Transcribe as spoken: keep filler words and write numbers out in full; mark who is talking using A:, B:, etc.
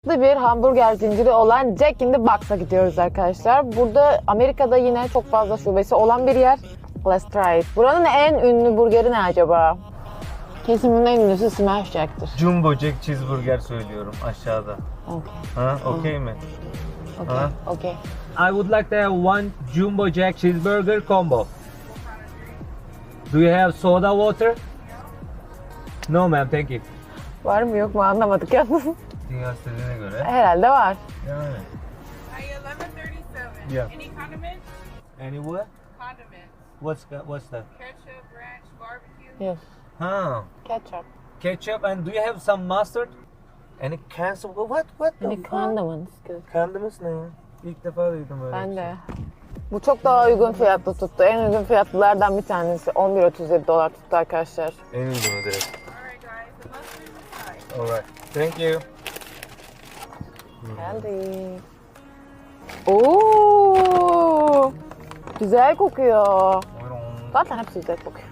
A: Bir hamburger zinciri olan Jack in the Box'a gidiyoruz arkadaşlar. Burada Amerika'da yine çok fazla şubesi olan bir yer. Let's try it. Buranın en ünlü burgeri ne acaba? Kesin bunun en ünlüsü Smash Jack'tır.
B: Jumbo Jack Cheeseburger söylüyorum aşağıda.
A: Okay.
B: Ha, okey mi?
A: Okay.
B: Ha?
A: Okay.
C: I would like to have one Jumbo Jack cheeseburger combo. Do you have soda water? No ma'am, thank you.
A: Var mı yok mu anlamadık yalnız.
B: Dünya istediğine göre.
A: Herhalde var.
B: Yani.
D: Hi, eleven thirty-seven.
B: Yeah.
D: Any condiments?
C: Any what?
D: Condiments.
C: What's that? What's that?
D: Ketchup, ranch, barbecue.
A: Yes.
B: Ha.
A: Ketchup.
C: Ketchup, and do you have some mustard?
B: Any cancel? What? What the
A: Any
B: fuck?
A: condiments? Good.
B: Condiments ne ya? İlk defa duydum öyle
A: Ben
B: bir
A: de.
B: şey.
A: Bu çok daha uygun fiyatlı tuttu. En uygun fiyatlılardan bir tanesi. on bir otuz yedi dolar tuttu arkadaşlar.
B: En uygunu direkt.
D: Alright, guys. The mustard is high.
B: Alright. Thank you.
A: Geldik. Oo! Güzel kokuyor.
B: Buyurun.
A: Zaten hepsi güzel kokuyor.